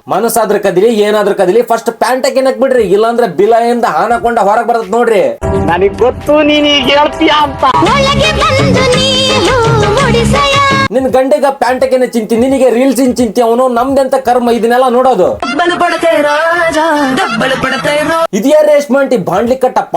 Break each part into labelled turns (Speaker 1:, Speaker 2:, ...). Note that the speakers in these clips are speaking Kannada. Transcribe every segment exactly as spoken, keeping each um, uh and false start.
Speaker 1: ಮನಸ್ಸಾದ್ರ ಕದಿಲಿ ಏನಾದ್ರೂ ಕದಿಲಿ ಫಸ್ಟ್ ಪ್ಯಾಂಟ್ ಹಾಕಿನಕ್ ಬಿಡ್ರಿ, ಇಲ್ಲಾಂದ್ರೆ ಬಿಲಯಿಂದ ಹಾನಕೊಂಡ ಹೊರಗ್ ಬರ್ತದ ನೋಡ್ರಿ.
Speaker 2: ನನಗ್ ಗೊತ್ತು ನೀನ್ ಈಗ ಹೇಳ್ತೀಯ ಅಂತ.
Speaker 1: ನಿನ್ ಗಂಡೆಗ ಪ್ಯಾಂಟ್ ಹಾಕಿನ ಚಿಂತಿ, ನಿನಗೆ ರೀಲ್ಸ್ ಇನ್ ಚಿಂತಿ, ಅವನು ನಮ್ದೆಂತ ಕರ್ಮ ಇದನ್ನೆಲ್ಲ ನೋಡೋದು. ಇದ್ಯಾ ರೇಷ್ಮಂಟಿ ಬಾಂಡ್ಲಿ ಕಟ್ಟಪ್ಪ?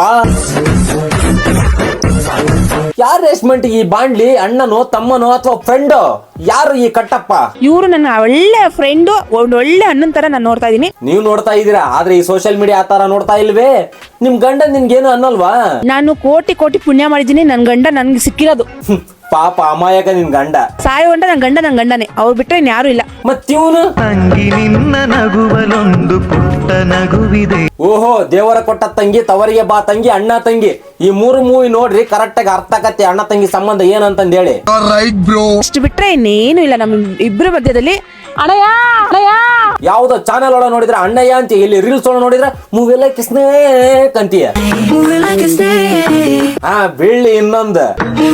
Speaker 1: ಯಾರು ರೇಷ್ಮಂಟಿ ಈ ಬಾಂಡ್ಲಿ? ಅಣ್ಣನೋ ತಮ್ಮನೋ ಅಥವಾ ಫ್ರೆಂಡ್? ಯಾರು ಈ ಕಟ್ಟಪ್ಪ?
Speaker 3: ಇವ್ರು ನನ್ನ ಒಳ್ಳೆ ಫ್ರೆಂಡು, ಒಂದ್ ಒಳ್ಳೆ ಅಣ್ಣನ್ ತರ ನಾನು ನೋಡ್ತಾ ಇದೀನಿ.
Speaker 1: ನೀವು ನೋಡ್ತಾ ಇದೀರಾ, ಆದ್ರೆ ಈ ಸೋಷಿಯಲ್ ಮೀಡಿಯಾ ಆ ತರ ನೋಡ್ತಾ ಇಲ್ವೇ? ನಿಮ್ ಗಂಡ ನಿನ್ಗೇನು ಅನ್ನಲ್ವಾ?
Speaker 3: ನಾನು ಕೋಟಿ ಕೋಟಿ ಪುಣ್ಯ ಮಾಡಿದೀನಿ, ನನ್ ಗಂಡ ನನ್ಗೆ ಸಿಕ್ಕಿರೋದು.
Speaker 1: ಪಾಪ ಅಮಾಯಕ ನಿನ್ ಗಂಡ.
Speaker 3: ಸಾಯೋ ಗಂಡ ನನ್ ಗಂಡ ನನ್ ಗಂಡನೇ, ಅವ್ರು ಬಿಟ್ರೆ ಯಾರು ಇಲ್ಲ.
Speaker 1: ಮತ್ತಿವನು
Speaker 4: ತಂಗಿ ನಿನ್ನ ನಗುವಲೊಂದು ಪುಟ್ಟ ನಗುವಿದೆ.
Speaker 1: ಓಹೋ, ದೇವರ ಕೊಟ್ಟ ತಂಗಿ, ತವರಿಗೆ ಬಾ ತಂಗಿ, ಅಣ್ಣ ತಂಗಿ, ಈ ಮೂರು ಮೂವಿ ನೋಡ್ರಿ ಕರೆಕ್ಟ್ ಆಗಿ ಅರ್ಥ ಆಗತ್ತೆ ಅಣ್ಣ ತಂಗಿ ಸಂಬಂಧ ಏನಂತಂದ ಹೇಳಿ.
Speaker 3: ಅಷ್ಟು ಬಿಟ್ರೆ ಇನ್ನೇನು ಇಲ್ಲ ನಮ್ ಇಬ್ರ ಮಧ್ಯದಲ್ಲಿ. ಅಣ್ಣಯ್ಯ ಅಣ್ಣಯ್ಯ
Speaker 1: ಯಾವ್ದೋ ಚಾನೆಲ್ ಒಳಗ ನೋಡಿದ್ರೆ ಅಣ್ಣಯ್ಯ ಅಂತ, ಇಲ್ಲಿ ರೀಲ್ಸ್ ಒಳಗ ನೋಡಿದ್ರೆ ಮೂವಿ ಎಲ್ಲ ಸ್ನೇಕ್ ಅಂತೀಯ. ಹಾ ಬೆಳ್ಳಿ ಇನ್ನೊಂದು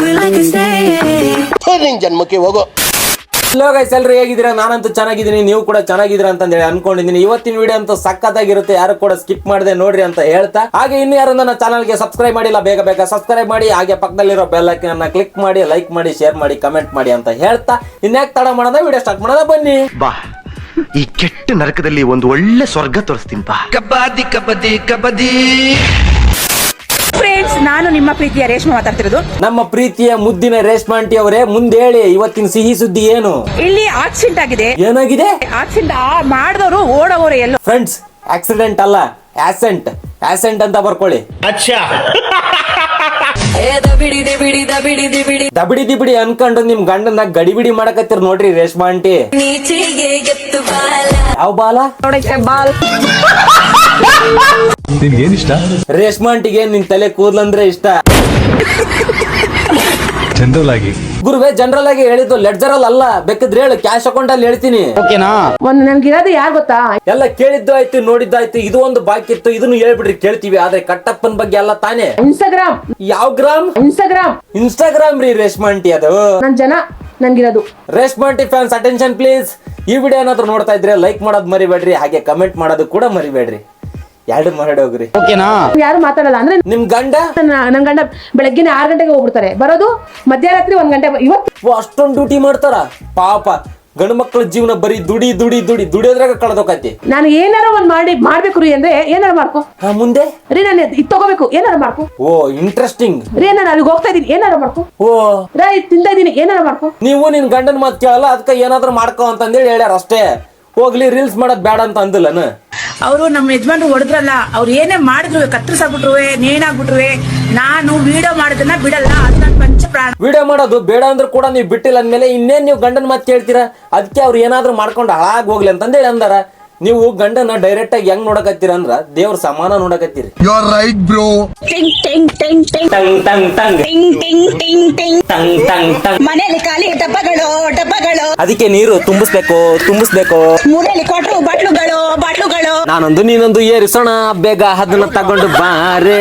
Speaker 2: ಜನ್ಮಕ್ಕೆ ಹೋಗೋ.
Speaker 1: ಹಲೋ ಗೈಸ್, ಎಲ್ರು ಹೇಗಿದ್ದೀರಾ? ನಾನಂತೂ ಚೆನ್ನಾಗಿದ್ದೀನಿ, ನೀವು ಕೂಡ ಚೆನ್ನಾಗಿದ್ದೀರಾ ಅಂತ ಹೇಳಿ ಅನ್ಕೊಂಡಿದ್ದೀನಿ. ಇವತ್ತಿನ ವಿಡಿಯೋ ಅಂತೂ ಸಖತ್ತಾಗಿರುತ್ತೆ, ಯಾರು ಕೂಡ ಸ್ಕಿಪ್ ಮಾಡದೆ ನೋಡ್ರಿ ಅಂತ ಹೇಳ್ತಾ, ಹಾಗೆ ಇನ್ನು ಯಾರು ನನ್ನ ಚಾನಲ್ಗೆ ಸಬ್ಸ್ಕ್ರೈಬ್ ಮಾಡಿಲ್ಲ ಬೇಗ ಬೇಗ ಸಬ್ಸ್ಕ್ರೈಬ್ ಮಾಡಿ, ಹಾಗೆ ಪಕ್ಕದಲ್ಲಿರೋ ಬೆಲ್ ಐಕಾನ್ ಅನ್ನ ಕ್ಲಿಕ್ ಮಾಡಿ, ಲೈಕ್ ಮಾಡಿ, ಶೇರ್ ಮಾಡಿ, ಕಮೆಂಟ್ ಮಾಡಿ ಅಂತ ಹೇಳ್ತಾ, ಇನ್ಯಾಕ್ ತಡ ಮಾಡೋದ ವಿಡಿಯೋ ಸ್ಟಾರ್ಟ್ ಮಾಡೋದ ಬನ್ನಿ.
Speaker 4: ಬಾ, ಈ ಕೆಟ್ಟ ನರಕದಲ್ಲಿ ಒಂದು ಒಳ್ಳೆ ಸ್ವರ್ಗ ತೋರಿಸ್ತೀನಿ ಬಾ. ಕಬಡ್ಡಿ ಕಬಡ್ಡಿ ಕಬಡ್ಡಿ.
Speaker 3: ಫ್ರೆಂಡ್ಸ್, ನಾನು ನಿಮ್ಮ ಪ್ರೀತಿಯ ರೇಷ್ಮೆ ಮಾತಾಡ್ತಿರೋದು.
Speaker 1: ನಮ್ಮ ಪ್ರೀತಿಯ ಮುದ್ದಿನ ರೇಷ್ಮಾ ಆಂಟಿ ಅವರೇ, ಮುಂದೆ ಹೇಳಿ ಇವತ್ತಿನ ಸಿಹಿ ಸುದ್ದಿ ಏನು?
Speaker 3: ಇಲ್ಲಿ ಆಕ್ಸಿಡೆಂಟ್ ಆಗಿದೆ.
Speaker 1: ಏನಾಗಿದೆ?
Speaker 3: ಆಕ್ಸಿಡೆಂಟ್ ಮಾಡಿದವರು ಓಡೋರು ಎಲ್ಲೋ.
Speaker 1: ಫ್ರೆಂಡ್ಸ್, ಆಕ್ಸಿಡೆಂಟ್ ಅಲ್ಲ, ಆಸೆಂಟ್. ಆಸೆಂಟ್ ಅಂತ ಬರ್ಕೊಳ್ಳಿ.
Speaker 2: ಅಚ್ಚಾ,
Speaker 1: ದಬಿಡಿ ದಿಬಿಡಿ ಅನ್ಕೊಂಡು ನಿಮ್ ಗಂಡನ ಗಡಿಬಿಡಿ ಮಾಡಕತ್ತೀರ್ ನೋಡ್ರಿ ರೇಷ್ಮಾ ಆಂಟಿ. ಯಾವ ಬಾಲ?
Speaker 3: ಬಾಲ್.
Speaker 5: ನಿನ್ಗೇನಿಷ್ಟ?
Speaker 1: ರೇಷ್ಮಾ ಆಂಟಿಗೆ ನಿನ್ ತಲೆ ಕೂದ್ಲಂದ್ರೆ ಇಷ್ಟ.
Speaker 5: ಜನರಲ್ ಆಗಿ
Speaker 1: ಗುರುವೇ, ಜನರಲ್ ಆಗಿ ಹೇಳಿದ್ದು, ಲೆಡ್ಜರ್ ಅಲ್ಲಿ ಅಲ್ಲ. ಬೇಕಿದ್ರೆ ಹೇಳು, ಕ್ಯಾಶ್ ಅಕೌಂಟ್ ಅಲ್ಲಿ ಹೇಳ್ತೀನಿ.
Speaker 2: ಓಕೆನಾ?
Speaker 3: ಒಂದು ನನ್ಗಿರೋದು ಯಾರು ಗೊತ್ತಾ?
Speaker 1: ಎಲ್ಲ ಕೇಳಿದ್ದು ಆಯ್ತು, ನೋಡಿದ್ದಾಯ್ತು. ಇದು ಒಂದು ಬಾಕಿ ಇತ್ತು, ಇದನ್ನು ಹೇಳ್ಬಿಡ್ರಿ ಕೇಳ್ತೀವಿ. ಆದ್ರೆ ಕಟ್ಟಪ್ಪನ್ ಬಗ್ಗೆ ಅಲ್ಲ ತಾನೇ.
Speaker 3: ಇನ್ಸ್ಟಾಗ್ರಾಮ್.
Speaker 1: ಯಾವ ಗ್ರಾಮ್?
Speaker 3: ಇನ್ಸ್ಟಾಗ್ರಾಮ್.
Speaker 1: ಇನ್ಸ್ಟಾಗ್ರಾಮ್ ರೀ ರೇಷ್ಮಾ ಆಂಟಿ ಅದು.
Speaker 3: ನನ್ ಜನ ನನ್ಗಿರೋದು.
Speaker 1: Reshma aunty fans attention please. ಈ ವಿಡಿಯೋ ಏನಾದ್ರು ನೋಡ್ತಾ ಇದ್ರೆ ಲೈಕ್ ಮಾಡೋದು ಮರಿಬೇಡ್ರಿ, ಹಾಗೆ ಕಮೆಂಟ್ ಮಾಡೋದು ಕೂಡ ಮರಿಬೇಡ್ರಿ. ಎರಡು ಮಾಡಿ ಹೋಗ್ರಿ.
Speaker 2: ಓಕೆನಾ?
Speaker 3: ಯಾರು ಮಾತಾಡಲ್ಲ ಅಂದ್ರೆ
Speaker 1: ನಿಮ್ ಗಂಡ?
Speaker 3: ನನ್ ಗಂಡ ಬೆಳಗ್ಗೆ ಆರು ಗಂಟೆಗೆ ಹೋಗ್ಬಿಡ್ತಾರೆ, ಬರೋದು ಮಧ್ಯರಾತ್ರಿ ಒಂದ್ ಗಂಟೆ. ಇವತ್ತು
Speaker 1: ಅಷ್ಟೊಂದು ಡ್ಯೂಟಿ ಮಾಡ್ತಾರ ಪಾಪ. ಗಂಡು ಮಕ್ಕಳ ಜೀವನ ಬರೀ ದುಡಿ ದುಡಿ ದುಡಿ ದುಡಿಯೋದ್ರಾಗ ಕಳೆದೋಕತಿ.
Speaker 3: ನಾನು ಏನಾರ ಒಂದ್ ಮಾಡಿ ಮಾಡ್ಬೇಕು ರೀ ಅಂದ್ರೆ ಏನಾರ ಮಾಡ್ಕೊ.
Speaker 1: ಹಾ, ಮುಂದೆ
Speaker 3: ರೀ ನಾನು ಇದು ತಗೋಬೇಕು, ಏನಾರ ಮಾಡ್ಕೊ.
Speaker 1: Oh interesting.
Speaker 3: ರೀ ನಾನು ಅಲ್ಲಿಗೆ ಹೋಗ್ತಾ ಇದೀನಿ, ಏನಾರ ಮಾಡ್ಕೊ.
Speaker 1: ಓ
Speaker 3: ರೈ ತಿಂತಾ ಇದೀನಿ, ಏನಾರ ಮಾಡ್ಕೊ.
Speaker 1: ನೀವು ನಿನ್ ಗಂಡನ ಮಾತು ಕೇಳಲ್ಲ, ಅದಕ್ಕೆ ಏನಾದ್ರು ಮಾಡ್ಕೋ ಅಂತಂದೇಳಿ ಹೇಳ್ಯಾರ ಅಷ್ಟೇ. ಹೋಗ್ಲಿ, ರೀಲ್ಸ್ ಮಾಡೋದ್ ಬೇಡ ಅಂತ ಅಂದಿಲ್ಲನ?
Speaker 6: ಅವರು ನಮ್ಮ ಯಜಮಾನ್ರು ಹೊಡೆದ್ರಲ್ಲ, ಅವ್ರು ಏನೇ ಮಾಡಿದ್ರು, ಕತ್ತರಿಸಾಗ್ಬಿಟ್ರು, ನೇಣಾಗ್ಬಿಟ್ರು, ನಾನು ವಿಡಿಯೋ ಮಾಡೋದನ್ನ ಬಿಡಲ್ಲ. ಅದು ನನ್ನ ಪಂಚ ಪ್ರಾಣ.
Speaker 1: ವಿಡಿಯೋ ಮಾಡೋದು ಬೇಡ ಅಂದ್ರೂ ಕೂಡ ನೀವು ಬಿಟ್ಟಿಲ್ಲ ಅಂದ್ಮೇಲೆ ಇನ್ನೇನ್ ನೀವು ಗಂಡನ ಮಾತು ಕೇಳ್ತೀರಾ? ಅದಕ್ಕೆ ಅವ್ರು ಏನಾದ್ರು ಮಾಡ್ಕೊಂಡು ಹಾಳಾಗಿ ಹೋಗ್ಲಿ ಅಂತಂದೇಳಿ ಅಂದಾರ. ನೀವು ಗಂಡನ ಡೈರೆಕ್ಟ್ ಆಗಿ ಹೆಂಗ್ ನೋಡಕತ್ತೀರ ಅಂದ್ರ ದೇವ್ರ ಸಮಾನ ನೋಡಕತ್ತೀರಿ.
Speaker 4: You are right bro.
Speaker 6: ಟಿಂಗ್ ಟಿಂಗ್ ಟಿಂಗ್ ಟಿಂಗ್
Speaker 1: ಟಂಗ್ ಟಂಗ್ ಟಂಗ್
Speaker 6: ಟಿಂಗ್ ಟಿಂಗ್ ಟಿಂಗ್ ಟಿಂಗ್
Speaker 1: ಟಂಗ್ ಟಂಗ್ ಟಂಗ್.
Speaker 6: ಮನೆಯಲ್ಲಿ ಖಾಲಿ ಡಬ್ಬಗಳು ಡಬ್ಬಗಳು,
Speaker 1: ಅದಕ್ಕೆ ನೀರು ತುಂಬಿಸ್ಬೇಕು ತುಂಬಿಸ್ಬೇಕು.
Speaker 6: ಮೂಲೆಯಲ್ಲಿ ಕೊಟ್ರು ಬಾಟ್ಲುಗಳು ಬಾಟ್ಲುಗಳು.
Speaker 1: ನಾನೊಂದು ನೀನೊಂದು ಏರಿಸೋಣ, ಬೇಗ ಅದನ್ನ ತಗೊಂಡು ಬಾರೇ.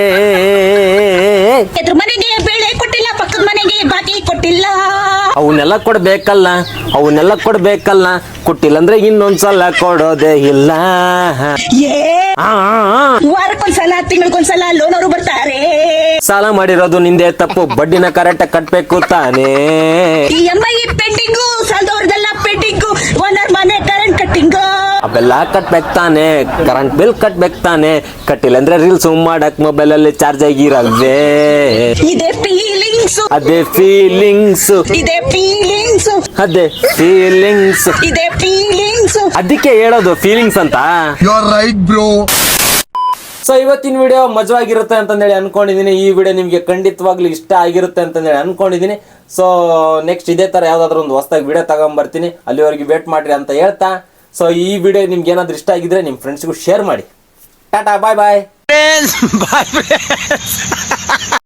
Speaker 6: ಎದ್ರ ಮನೆಗೆ ಬೇಳೆ ಕೊಟ್ಟಿಲ್ಲ, ಪಕ್ಕದ ಮನೆಗೆ ಬಾಕಿ ಕೊಟ್ಟಿಲ್ಲ.
Speaker 1: ಅವನ್ನೆಲ್ಲ ಕೊಡ್ಬೇಕಲ್ಲ, ಅವನ್ನೆಲ್ಲ ಕೊಡ್ಬೇಕಲ್ಲ, ಕೊಟ್ಟಿಲ್ಲ ಅಂದ್ರೆ ಇನ್ನೊಂದ್ಸಲ ಕೊಡೋದೇ ಇಲ್ಲ.
Speaker 6: ಏ
Speaker 1: ಆ, ಆ, ಆ.
Speaker 6: ವಾರಕ್ಕೊಂದ್ಸಲ ತಿಂಗಳಿಗೊಂದ್ಸಲ ಲೋನ್ ಅವರು ಬರ್ತಾರೆ.
Speaker 1: ಸಾಲ ಮಾಡಿರೋದು ನಿಂದೆ ತಪ್ಪು, ಬಡ್ಡಿನ ಕರೆಕ್ಟ್ ಕಟ್ಬೇಕು ತಾನೇ.
Speaker 6: ಈ ಎಂ ಐ ಪೆಂಡಿಂಗು, ಸಾಲದವ್ರದೆಲ್ಲ ಪೆಂಡಿಂಗು, ಓನರ್ ಮನೆ ಕರೆಂಟ್ ಕಟ್ಟಿಂಗು.
Speaker 1: ಅವೆಲ್ಲ ಕಟ್ಬೇಕು ತಾನೆ, ಕರೆಂಟ್ ಬಿಲ್ ಕಟ್ಬೇಕು ತಾನೆ. ಕಟ್ಟಿಲ್ಲ ಅಂದ್ರೆ ರೀಲ್ಸ್ ಮಾಡಕ್ ಮೊಬೈಲ್ ಅಲ್ಲಿ ಚಾರ್ಜ್ ಆಗಿರಲ್ವೇ?
Speaker 6: ಇದೇ ಫೀಲಿಂಗ್ಸ್,
Speaker 1: ಅದೇ ಫೀಲಿಂಗ್ಸ್,
Speaker 6: ಇದೇ ಫೀಲಿಂಗ್ಸ್,
Speaker 1: ಅದೇ ಫೀಲಿಂಗ್ಸ್,
Speaker 6: ಇದೇ ಫೀಲಿಂಗ್ಸ್.
Speaker 1: ಅದಕ್ಕೆ ಹೇಳೋದು ಫೀಲಿಂಗ್ಸ್ ಅಂತ.
Speaker 4: You are right bro.
Speaker 1: So ಇವತ್ತಿನ ವಿಡಿಯೋ ಮಜವಾಗಿರುತ್ತೆ ಅಂತಂದೇಳಿ ಅನ್ಕೊಂಡಿದ್ದೀನಿ. ಈ ವಿಡಿಯೋ ನಿಮಗೆ ಖಂಡಿತವಾಗ್ಲೂ ಇಷ್ಟ ಆಗಿರುತ್ತೆ ಅಂತಂದೇಳಿ ಅನ್ಕೊಂಡಿದ್ದೀನಿ. ಸೊ ನೆಕ್ಸ್ಟ್ ಇದೇ ತರ ಯಾವ್ದಾದ್ರು ಒಂದು ಹೊಸದಾಗಿ ವಿಡಿಯೋ ತಗೊಂಡ್ಬರ್ತೀನಿ. ಅಲ್ಲಿವರೆಗೆ ವೇಟ್ ಮಾಡ್ರಿ ಅಂತ ಹೇಳ್ತಾ, ಸೊ ಈ ವಿಡಿಯೋ ನಿಮ್ಗೆ ಏನಾದ್ರು ಇಷ್ಟ ಆಗಿದ್ರೆ ನಿಮ್ಮ ಫ್ರೆಂಡ್ಸ್ಗೂ ಶೇರ್ ಮಾಡಿ. ಟಾಟಾ, ಬಾಯ್ ಬಾಯ್.